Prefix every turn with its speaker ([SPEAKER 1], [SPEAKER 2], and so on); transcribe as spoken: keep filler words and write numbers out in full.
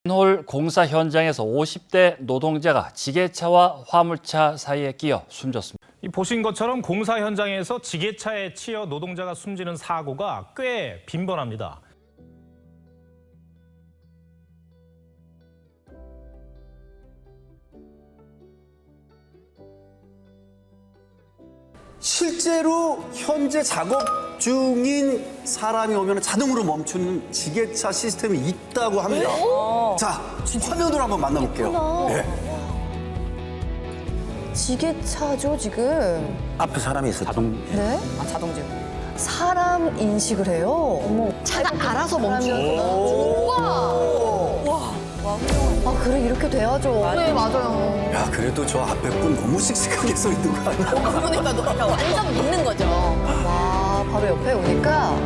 [SPEAKER 1] 맨홀 공사 현장에서 오십 대 노동자가 지게차와 화물차 사이에 끼어 숨졌습니다.
[SPEAKER 2] 이 보신 것처럼 공사 현장에서 지게차에 치여 노동자가 숨지는 사고가 꽤 빈번합니다.
[SPEAKER 3] 실제로 현재 작업 중인 사람이 오면 자동으로 멈추는 지게차 시스템이 있다고 합니다. 자, 화면으로 한번 만나볼게요. 네.
[SPEAKER 4] 지게차죠, 지금.
[SPEAKER 3] 앞에 사람이 있어. 자동.
[SPEAKER 4] 네?
[SPEAKER 5] 아, 자동직.
[SPEAKER 4] 사람 인식을 해요. 어머. 차가 알아서 멈추는구나. 와. 아, 그래, 이렇게 돼야죠.
[SPEAKER 5] 네, 맞아요.
[SPEAKER 3] 야, 그래도 저 앞에 분 너무 씩씩하게 서 있는 거 아니야?
[SPEAKER 5] 그러니까 너 완전 믿는 거죠.
[SPEAKER 4] 와, 바로 옆에 오니까